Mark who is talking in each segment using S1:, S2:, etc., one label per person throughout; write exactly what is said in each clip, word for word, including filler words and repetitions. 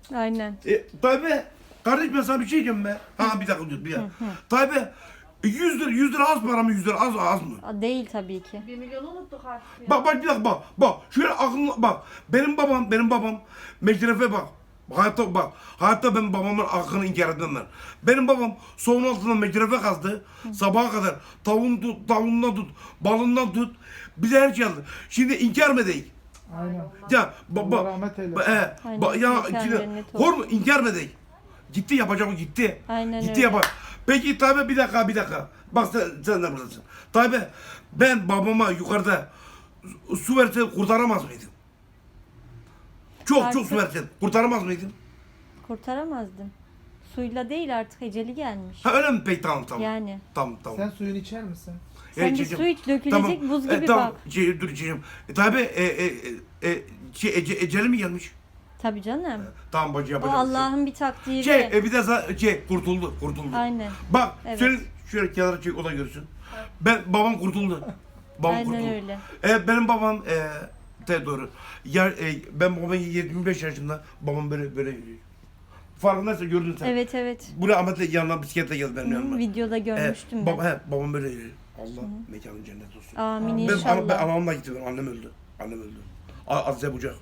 S1: Aynen.
S2: E, Tayyip kardeş ben sana bir şey diyeceğim be. Ha bir dakika dur bir dakika. Tayyip yüz lira, yüz lira az para mı yüz lira az az mı?
S1: Aa, değil tabii ki.
S3: Bir milyonu unuttuk artık ya.
S2: Bak bak bir dakika bak. Bak şöyle aklına bak. Benim babam benim babam meşrefe bak. Hayatta bak. Hayatta ben babamın hakkını inkar etmem ben. Benim babam soğun altından meşrefe kazdı. Sabaha kadar tavuğunu tut, tavuğundan tut, balından tut. Bize her şey aldı. Şimdi inkar mı değil?
S4: Aynen.
S2: Ya
S4: Allah
S2: baba
S4: rahmet eylesin.
S2: ba, e,
S1: Aynen,
S2: ba, ya
S1: mekan
S2: şimdi
S1: cennet olsun.
S2: hor mu inkar mı değil? Gitti yapacak o gitti.
S1: Aynen
S2: gitti
S1: öyle.
S2: yapar. Peki Tayyip bir dakika bir dakika. Bak sen, sen de buradasın. Tayyip ben babama yukarıda su- su verse kurtaramaz mıydım? Çok çok
S1: Artık-
S2: su versen kurtaramaz mıydım?
S1: Kurtaramazdım. Suyla değil artık eceli gelmiş.
S2: Ha öyle mi? Peki tamam tamam.
S1: Yani.
S2: Tamam tamam.
S4: Sen suyunu içer misin?
S1: Sen bir
S2: içeceğim.
S1: su iç, dökülecek buz gibi
S2: E, tamam.
S1: bak.
S2: Şey, dur içeceğim. E, Tayyip e, e, e, e, şey, ece, eceli mi gelmiş?
S1: Tabii canım.
S2: Tamam bacı
S1: O
S2: yapacağım.
S1: Allah'ın bir takdiri.
S2: Şey, e, bir de za- şey kurtuldu kurtuldu.
S1: Aynen.
S2: Bak
S1: Evet.
S2: şöyle şöyle kenara çek o da görsün. Ben babam kurtuldu. Babam
S1: Aynen
S2: kurtuldu.
S1: öyle.
S2: E, benim babam e, de doğru. Ya, e, ben babam yirmi beş yaşında babam böyle böyle yürüyor. Farkındaysa gördün sen.
S1: Evet evet.
S2: Buraya Ahmet'le yanına bisikletle geldi benim
S1: Hı,
S2: yanıma.
S1: videoda görmüştüm
S2: e,
S1: ben.
S2: baba, he, babam böyle yürüyor. Allah mekanı cennet olsun.
S1: Amin
S2: Ben, ana, ben
S1: inşallah.
S2: anamla gittim. Annem öldü. Annem öldü. A- Azize Bucak.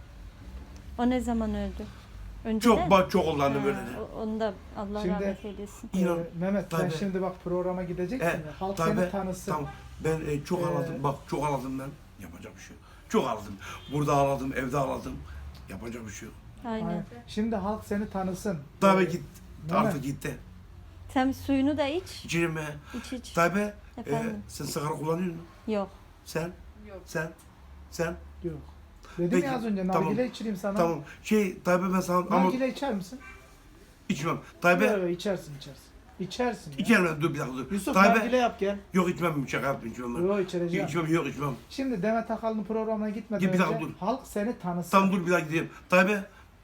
S1: O ne zaman öldü? Önceden?
S2: Çok bak çok oldu annem
S1: Ha,
S2: öyle.
S1: o- Onu da Allah
S4: Şimdi-
S1: rahmet eylesin.
S2: İnan.
S4: Ee, Mehmet sen
S2: Tabii.
S4: şimdi bak programa gideceksin
S2: E,
S4: ya. Halk
S2: tabii,
S4: seni tanısın.
S2: Tamam. Ben e, çok
S4: Ee,
S2: ağladım. Bak çok ağladım ben. Yapacak bir şey yok. Çok ağladım. Burada ağladım, evde ağladım. Yapacak bir şey yok.
S1: Aynen.
S4: Aynen. Şimdi halk seni tanısın.
S2: Tabii
S4: Ee,
S2: git.
S4: Mehmet,
S2: Artık gitti.
S1: Sen suyunu da iç.
S2: İçerim mi?
S1: İç iç.
S2: Tabii. E,
S1: Efendim?
S2: sen sigara kullanıyor musun?
S1: Yok.
S2: Sen?
S3: Yok.
S2: Sen? Sen?
S4: Yok. Dedim
S2: Peki,
S4: ya az önce
S2: tamam.
S4: nargile içireyim sana.
S2: Tamam. Şey tabii ben sana ama
S4: Nargile içer misin?
S2: içmem. Tabii.
S4: Yok yok içersin içersin. İçersin ya.
S2: İçerim ben. Dur bir dakika dur.
S4: Yusuf
S2: Tabii.
S4: nargile yap gel.
S2: Yok içmem. Şaka yaptım içmem ben.
S4: Yok içireceğim.
S2: İçmem yok içmem.
S4: Şimdi Demet Akalın programına gitmeden
S2: Git bir
S4: önce
S2: dakika dur.
S4: halk seni tanısın.
S2: Tamam dur bir daha gideyim. Tabii.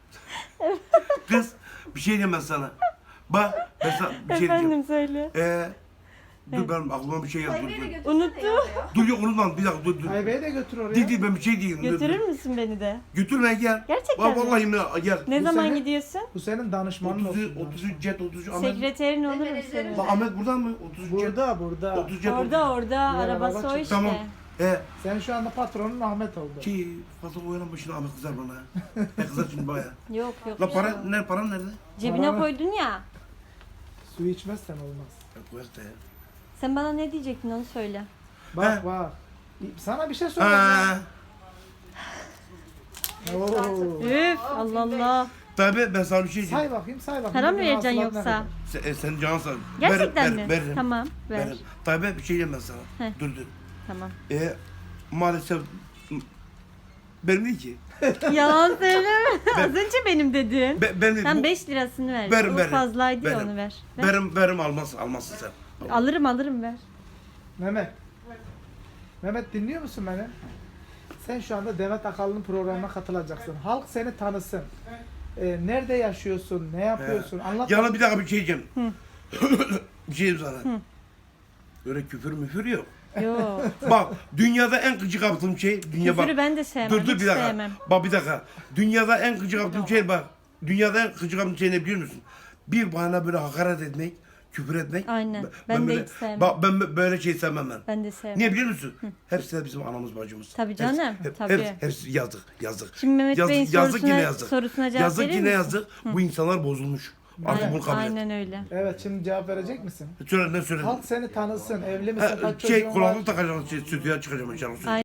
S2: Kız bir şey diyeyim ben sana. Bak ben sana bir şey diyeceğim.
S1: Efendim söyle.
S2: Ee, dur benim aklıma bir şey geldi. Dur,
S3: Tayyip'i de
S2: dur.
S3: götürsene
S1: Unuttu.
S3: ya oraya.
S2: dur yok unutma bir dakika dur dur.
S4: Aybe'yi de götür oraya.
S2: Değil değil ben bir şey diyeyim. Dur,
S1: Götürür
S2: dur.
S1: müsün beni de?
S2: Götürme gel.
S1: Gerçekten
S2: Bak
S1: mi?
S2: vallahi mi gel.
S1: Ne
S4: Bu
S1: zaman
S4: sene-
S1: gidiyorsun?
S4: Bu senin danışmanın
S2: otuz
S4: olsun.
S2: otuz üç cet otuz üç Ahmet.
S1: Sekreterin olur mu
S3: Menajerim.
S1: senin?
S2: Bak Ahmet burada mı? otuz üç cet.
S4: Burada burada.
S2: otuz cet
S1: Orada orada
S4: Bir
S1: arabası
S4: araba
S1: o
S4: çık-
S1: işte.
S2: Tamam. Ee,
S4: Sen şu anda patronun Ahmet oldu.
S2: ki fazla oyalan başına Ahmet kızar bana. Ne kızar şimdi baya.
S1: Yok yok.
S2: La para ne paran nerede?
S1: Cebine
S4: Para-
S1: koydun ya.
S4: Su içmezsen olmaz.
S2: Ya koyak da ya.
S1: Sen bana ne diyecektin onu söyle.
S4: Bak
S2: He.
S4: bak. Sana bir şey soracağım.
S2: Ha.
S4: Oo.
S1: Üf Allah Allah.
S2: Tabii ben sana bir şey diyeceğim.
S4: Say bakayım say bakayım.
S1: Para mı
S4: Bugün
S1: vereceksin
S4: hasılat ne
S1: yoksa?
S4: kadar?
S2: Sen, e, sen canın sağ.
S1: Gerçekten
S2: Ver-
S1: mi?
S2: ver- Veririm.
S1: Tamam ver.
S2: Veririm. Tabii bir şey diyeyim ben sana.
S1: Heh.
S2: Dur dur.
S1: Tamam.
S2: E, maalesef benim değil ki.
S1: Yalan söyleme.
S2: Ben-
S1: Az önce benim dedin.
S2: Be, ben
S1: Sen
S2: bu-
S1: beş lirasını ver.
S2: Verim,
S1: o
S2: verim.
S1: fazlaydı ya
S2: Verim.
S1: onu ver. ver.
S2: Verim verim almazsın almazsın sen.
S1: Alırım alırım ver.
S4: Mehmet. Mehmet dinliyor musun beni? Sen şu anda Demet Akalın'ın programına katılacaksın. Halk seni tanısın. Ee, nerede yaşıyorsun? Ne yapıyorsun? Anlat.
S2: Yana bir dakika bir şey diyeceğim. bir şey diyeyim sana. Öyle küfür müfür yok.
S1: Yok.
S2: Bak dünyada en gıcık yaptığım şey dünya bak.
S1: Küfürü ben de sevmem.
S2: Dur dur
S1: hiç
S2: bir dakika.
S1: sevmem.
S2: Bak bir dakika. Dünyada en gıcık yaptığım şey bak. Dünyada en gıcık yaptığım şey ne biliyor musun? Bir bana böyle hakaret etmek, küfür etmek.
S1: Aynen. Ben de
S2: böyle,
S1: hiç sevmem.
S2: Bak ben böyle şey sevmem ben.
S1: Ben de sevmem.
S2: Niye biliyor musun? Hepsi de bizim anamız bacımız.
S1: Tabii canım,
S2: Hepsi, hep-
S1: tabii.
S2: Hepsi, hepsi yazık, yazık.
S1: Şimdi Mehmet
S2: yazık,
S1: Bey'in
S2: yazık
S1: sorusuna,
S2: yine yazık.
S1: sorusuna cevap
S2: Yazık
S1: verir
S2: yine
S1: misin?
S2: yazık. Bu insanlar bozulmuş. Artık
S1: Aynen,
S2: bunu kabul et.
S1: aynen öyle.
S4: Evet şimdi cevap verecek misin?
S2: Söyle ne söyle.
S4: Halk seni tanısın. Evli misin?
S2: Ha,
S4: Kaç
S2: şey
S4: çocuğun var?
S2: kulaklık takacağım, şey, stüdyoya çıkacağım inşallah.